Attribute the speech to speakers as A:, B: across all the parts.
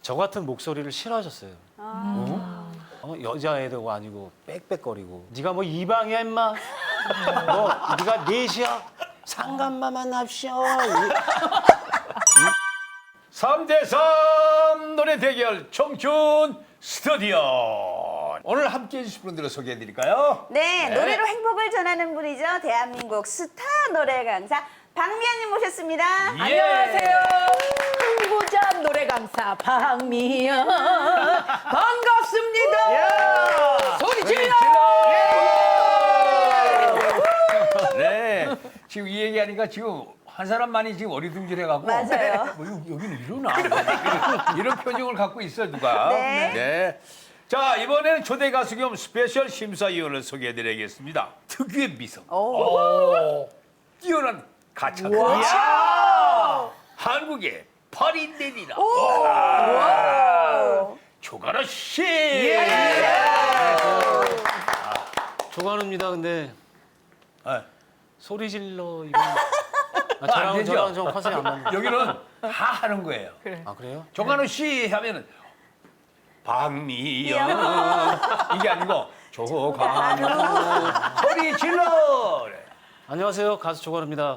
A: 저 같은 목소리를 싫어하셨어요. 여자애도 아니고 빽빽거리고 네가 뭐 이방이야 임마. 뭐 네가 넷이야. 상간만 만납시오.
B: 3대3 노래 대결 청춘 스튜디오. 오늘 함께해 주실 분들을 소개해 드릴까요?
C: 네, 노래로 행복을 전하는 분이죠. 대한민국 스타 노래 강사 박미연님 모셨습니다.
B: 예.
D: 안녕하세요. 흥부자 노래 강사 박미연 반갑습니다. 소리 질러.
B: 네. 지금 이 얘기하니까 지금 한 사람만이 지금 어리둥절해갖고.
C: 맞아요.
B: 뭐 여기는 이러나? 이런 표정을 갖고 있어 누가.
C: 네.
B: 자, 이번에는 초대 가수 겸 스페셜 심사위원을 소개해드리겠습니다. 특유의 미성. 뛰어난 가창. 한국의 파리넬리라. 조가라 씨.
A: 조관우입니다. 근데
B: 아,
A: 소리 질러 이거
B: 안 되죠?
A: 저랑 좀 컨셉이 안 맞는.
B: 여기는 다 하는 거예요.
A: 아 그래요?
B: 조관우 씨 하면은 박미연 이게 아니고 조관우 소리 질러.
A: 안녕하세요. 가수 조관우입니다.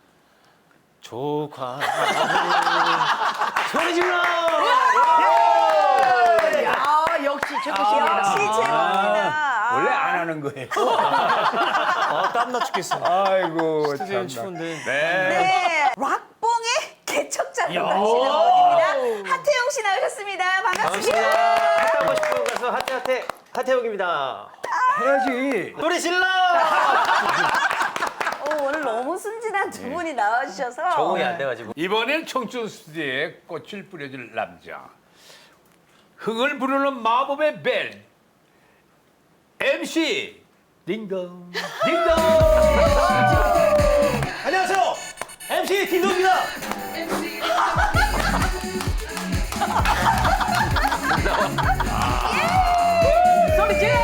A: 조관우 소리 질러.
D: 야, 역시 최고십니다.
C: 역시 최고입니다.
B: 원래 안 하는 거예요.
A: 땀나 죽겠어요.
B: 아이고
A: 스튜디오는
B: 참나.
A: 추운데.
B: 네.
C: 네, 락봉의 개척자로 나시는 분입니다. 하태용 씨 나오셨습니다. 반갑습니다.
E: 하고 싶은 가수 하태욱입니다.
B: 해야지.
E: 노래 질러!
C: 오늘 너무 순진한 두 분이 나와주셔서
E: 적응이 안 돼가지고.
B: 이번엔 청춘 스튜디오에 꽃을 뿌려줄 남자. 흥을 부르는 마법의 벨. MC 딩동 딩동.
E: 안녕하세요. MC 딘동입니다.
D: 소리 질러.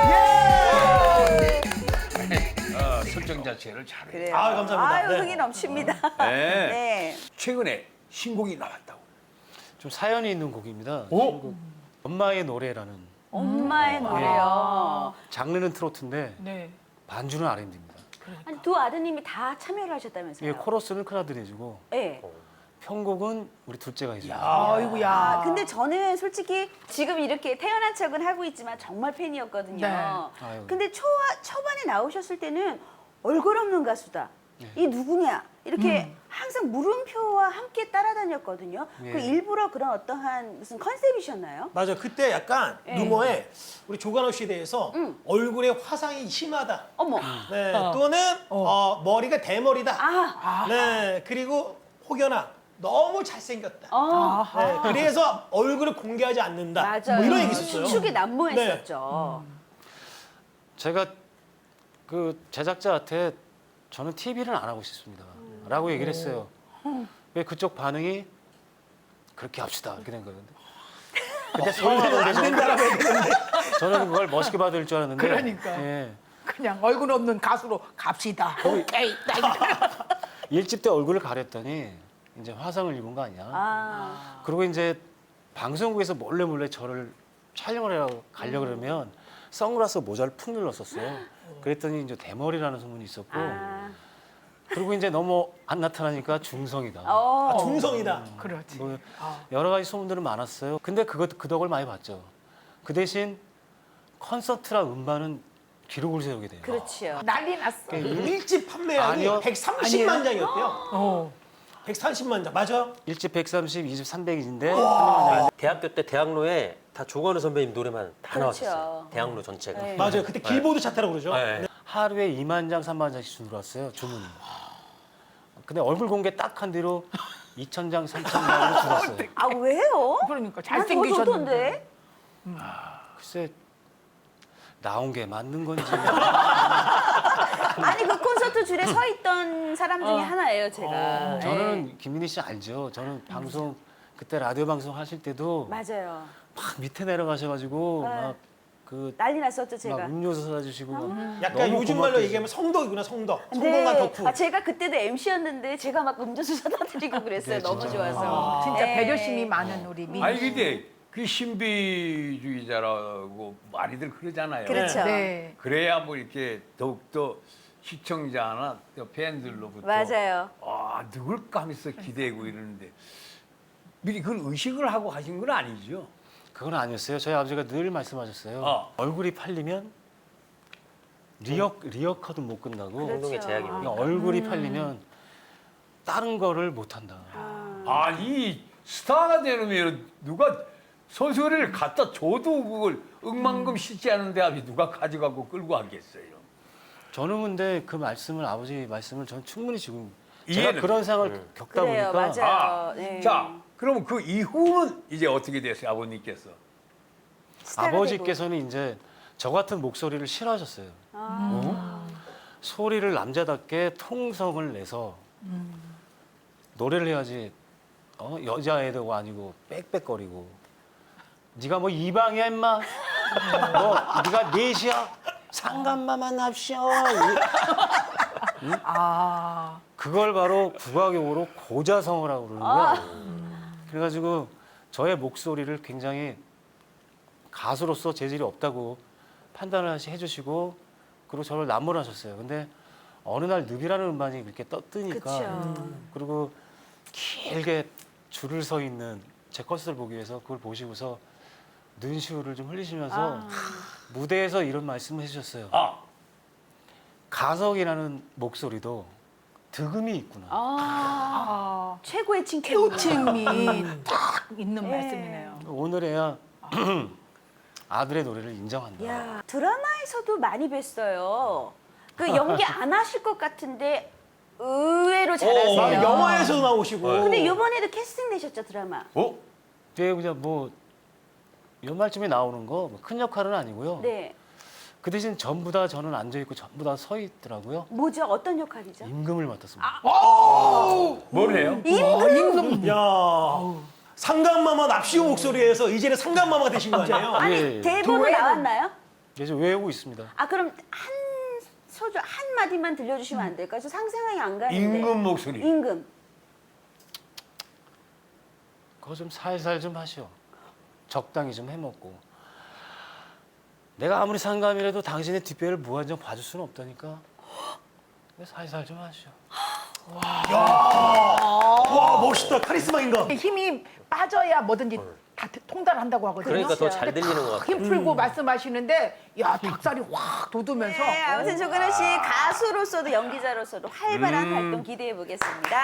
B: 설정 자체를 잘해.
C: 그래요.
E: 아, 감사합니다.
C: 아유,
E: 네.
C: 흥이 넘칩니다.
B: 네.
C: 네.
B: 최근에 신곡이 나왔다고.
A: 좀 사연이 있는 곡입니다.
B: 오?
A: 엄마의 노래라는
C: 엄마의 노래요.
A: 장르는 트로트인데
D: 네.
A: 반주는 R&B입니다.
C: 아니, 두 아드님이 다 참여를 하셨다면서요?
A: 이게 코러스는 큰아들이 해주고
C: 네.
A: 편곡은 우리 둘째가 해줘요.
D: 아이고야.
C: 아, 근데 저는 솔직히 지금 이렇게 태어난 척은 하고 있지만 정말 팬이었거든요.
D: 네.
A: 아유.
C: 근데 초반에 나오셨을 때는 얼굴 없는 가수다. 이 누구냐? 이렇게 항상 물음표와 함께 따라다녔거든요.
A: 예.
C: 그 일부러 그런 어떠한 무슨 컨셉이셨나요?
F: 맞아. 그때 약간
C: 네.
F: 루머에 우리 조관호 씨에 대해서 얼굴에 화상이 심하다.
C: 어머.
F: 네. 또는 머리가 대머리다.
C: 아.
F: 네. 그리고 혹여나 너무 잘생겼다.
C: 어.
F: 네. 그래서 얼굴을 공개하지 않는다.
C: 맞아요.
F: 뭐 이런 얘기 있었어요.
C: 추측이 난무했었죠.
A: 제가 그 제작자한테 저는 TV를 안 하고 싶습니다. 라고 얘기를 했어요. 왜 그쪽 반응이 그렇게 합시다. 이렇게 된 거예요. 근데 서운하던데 저는 그걸 멋있게 받을 줄 알았는데.
D: 그러니까.
A: 예.
D: 그냥 얼굴 없는 가수로 갑시다. 오케이.
A: 일집 때 얼굴을 가렸더니 이제 화상을 입은 거 아니야.
C: 아.
A: 그리고 이제 방송국에서 몰래 저를 촬영을 하러 가려고 그러면 선글라스 모자를 푹 눌렀었어요. 그랬더니 이제 대머리라는 소문이 있었고
C: 아.
A: 그리고 이제 너무 안 나타나니까 중성이다.
C: 어.
F: 중성이다.
D: 그렇지.
A: 뭐 여러 가지 소문들은 많았어요. 근데 그 덕을 많이 봤죠. 그 대신 콘서트랑 음반은 기록을 세우게 돼요.
C: 그렇지요.
D: 난리 났어.
F: 일집 판매량이
A: 아니요.
F: 130만 장이었대요.
D: 어.
F: 130만 장. 맞아?
A: 1집 130, 2집 300인데
E: 대학교 때 대학로에 다 조관우 선배님 노래만 다
C: 그렇죠.
E: 나왔었어요. 대학로 전체가.
C: 네.
F: 맞아요. 그때 길보드 차트라고 그러죠.
E: 네.
A: 하루에 2만 장, 3만 장씩 들어왔어요. 주문이. 근데 얼굴 공개 딱 한 뒤로 2천 장, 3천 장으로 줄었어요.
C: 아, 왜요?
D: 그러니까
C: 난 더
D: 잘생기셨는데.
C: 좋던데.
A: 글쎄 나온 게 맞는 건지.
C: 아니, 그 콘서트 줄에 서 있던 사람 중에 하나예요, 제가.
A: 저는 김민희 씨 알죠. 저는 방송 그때 라디오 방송 하실 때도
C: 네. 맞아요.
A: 막 밑에 내려가셔가지고
C: 네.
A: 막 그
C: 난리 났었죠
A: 막
C: 제가.
A: 음료수 사다 주시고
F: 약간
A: 너무
F: 요즘 말로
A: 고맙게
F: 얘기하면 성덕이구나, 성덕.
C: 네.
F: 성공한 덕후.
C: 아, 제가 그때도 MC였는데 제가 막 음료수 사다 드리고 그랬어요.
A: 네,
C: 너무
A: 진짜.
C: 좋아서.
D: 진짜
C: 네.
D: 배려심이 많은 우리 민희.
B: 아니 근데 그 신비주의자라고 많이들 그러잖아요.
C: 그렇죠.
D: 네.
B: 그래야 뭐 이렇게 더욱더 시청자나 또 팬들로부터
C: 맞아요.
B: 아 누굴까 하면서 기대고 이러는데 미리 그걸 의식을 하고 하신 건 아니죠?
A: 그건 아니었어요. 저희 아버지가 늘 말씀하셨어요. 얼굴이 팔리면 리어카도 못 끝나고
E: 행동의 제약입니다.
A: 그러니까 얼굴이 팔리면 다른 거를 못 한다.
B: 아니 스타가 되려면 누가 소설을 갖다 줘도 그걸 억만금 싣지 않은데 앞에 누가 가져가고 끌고 가겠어요.
A: 저는 근데 그 말씀을 아버지 말씀을 전 충분히 지금
B: 이해는
A: 제가 그런 상황을 겪다
C: 그래요,
A: 보니까
C: 맞아요. 네.
B: 자, 그러면 그 이후는 이제 어떻게 됐어요, 아버님께서?
C: 스타가
A: 아버지께서는 이제 저 같은 목소리를 싫어하셨어요. 소리를 남자답게 통성을 내서 노래를 해야지 여자애도 아니고 빽빽거리고 네가 뭐 이방이야 임마 뭐 네가 넷이야 상간마만 합시오
D: 아,
A: 그걸 바로 국악용어로 고자성어라고 그러는 거야. 그래가지고 저의 목소리를 굉장히 가수로서 재질이 없다고 판단을 해주시고 그리고 저를 남몰하셨어요. 근데 어느 날 늪이라는 음반이 그렇게 뜨니까
C: 그쵸.
A: 그리고 길게 줄을 서 있는 제 컷을 보기 위해서 그걸 보시고서 눈시울을 좀 흘리시면서 무대에서 이런 말씀을 해주셨어요. 가석이라는 목소리도 득음이 있구나.
C: 최고의 칭찬.
D: 호칭이 딱 있는
C: 예.
D: 말씀이네요.
A: 오늘에야 아들의 노래를 인정한다.
C: 야, 드라마에서도 많이 뵀어요. 그 연기 안 하실 것 같은데 의외로 잘하세요.
F: 아, 영화에서 나오시고.
C: 근데 이번에도 캐스팅 되셨죠 드라마.
A: 네, 그냥 뭐 연말쯤에 나오는 거 큰 역할은 아니고요.
C: 네.
A: 그 대신 전부 다 저는 앉아 있고 전부 다 서 있더라고요.
C: 뭐죠? 어떤 역할이죠?
A: 임금을 맡았습니다.
B: 뭘 해요?
D: 임금.
F: 야, 상간마마 납시오 목소리에서 이제는 상간마마가 되신 거 아니에요?
C: 아니
A: 예.
C: 대본은 나왔나요?
A: 이제 외우고 있습니다.
C: 아 그럼 한 소절 한 마디만 들려주시면 안 될까요? 저 상상이 안 가는데.
B: 임금 목소리.
C: 임금.
A: 그거 좀 살살 좀 하시오. 적당히 좀 해먹고. 내가 아무리 상감이라도 당신의 뒷배를 무한정 봐줄 수는 없다니까. 살살 좀 하시오.
F: 와, 멋있다. 카리스마 인간.
D: 힘이 빠져야 뭐든지 다 통달한다고 하거든요.
E: 그러니까 더 잘 들리는 것 같아요.
D: 힘 풀고 말씀하시는데 야 닭살이 확 돋으면서
C: 네, 아무튼 조근호 씨 가수로서도 연기자로서도 활발한 활동 기대해 보겠습니다.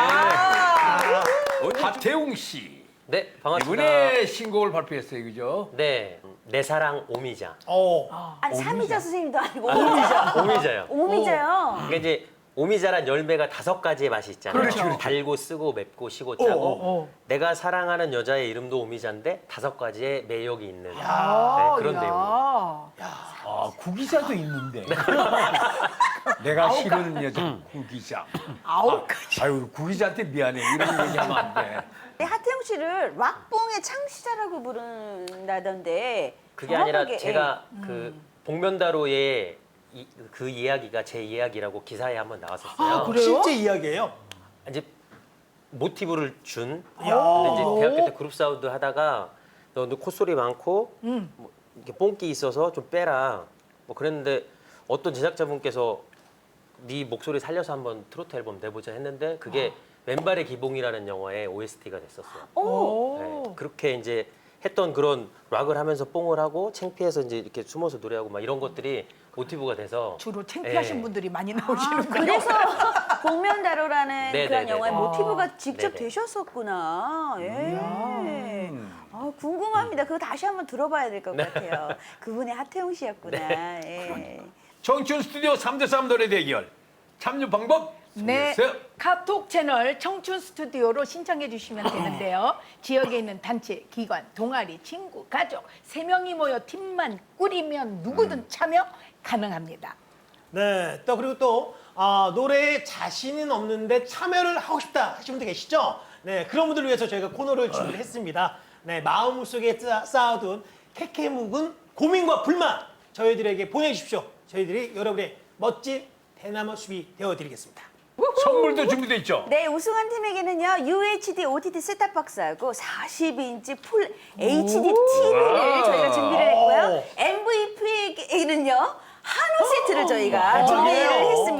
B: 하태웅 씨.
E: 네, 반갑습니다.
B: 이번에 신곡을 발표했어요, 그죠?
E: 네, 내 사랑 오미자.
C: 아니 삼이자 선생님도 아니고 오미자.
E: 오미자요.
C: 오미자요.
E: 그러니까 이제 오미자란 열매가 5가지의 맛이 있잖아요.
B: 그렇죠.
E: 달고 쓰고 맵고 시고 짜고. 내가 사랑하는 여자의 이름도 오미자인데 5가지의 매력이 있는 네, 그런 내용이에요.
B: 아, 구기자도 있는데. 내가 싫은 여자, 구기자.
D: 9가지.
B: 아유, 구기자한테 미안해. 이런 얘기하면 안 돼.
C: 네, 하태용 씨를 락봉의 창시자라고 부른다던데.
E: 그게 아니라
C: 정확하게,
E: 제가 그 복면다로의 그 이야기가 제 이야기라고 기사에 한번 나왔었어요.
D: 그래요?
F: 실제 이야기예요.
E: 이제 모티브를 준.
F: 야.
E: 근데 이제 대학교 때 그룹 사운드 하다가 너 콧소리 많고 뭐 이렇게 뽕기 있어서 좀 빼라. 뭐 그랬는데 어떤 제작자분께서 네 목소리 살려서 한번 트로트 앨범 내보자 했는데 그게 왼발의 기봉이라는 영화의 OST가 됐었어요. 네, 그렇게 이제 했던 그런 락을 하면서 뽕을 하고 창피해서 이제 이렇게 숨어서 노래하고 막 이런 것들이 모티브가 돼서
D: 주로 창피하신
E: 네.
D: 분들이 많이 나오시는 거예요.
C: 그래서 복면다로라는
E: 네,
C: 그런
E: 네,
C: 영화의
E: 네.
C: 모티브가 직접
E: 네, 네.
C: 되셨었구나. 예. 아, 궁금합니다. 그거 다시 한번 들어봐야 될 것 같아요. 그분의 하태용 씨였구나. 예.
B: 청춘 스튜디오 3대3 노래 대결. 참여 방법
D: 네,
B: 소개해주세요.
D: 카톡 채널 청춘 스튜디오로 신청해 주시면 되는데요. 지역에 있는 단체, 기관, 동아리, 친구, 가족 3명이 모여 팀만 꾸리면 누구든 참여 가능합니다.
F: 네, 또 그리고 또 노래에 자신은 없는데 참여를 하고 싶다 하시는 분들 계시죠? 네, 그런 분들을 위해서 저희가 코너를 준비를 했습니다. 네, 마음속에 쌓아둔 캐캐묵은 고민과 불만 저희들에게 보내주십시오. 저희들이 여러분의 멋진 대나무 숲이 되어드리겠습니다.
B: 선물도 준비돼 있죠.
C: 네, 우승한 팀에게는요, UHD OTT 셋탑박스하고 42인치 풀 HD TV를 저희가 준비를 했고요. MVP에게는요, 한우 세트를 저희가 준비를 했습니다.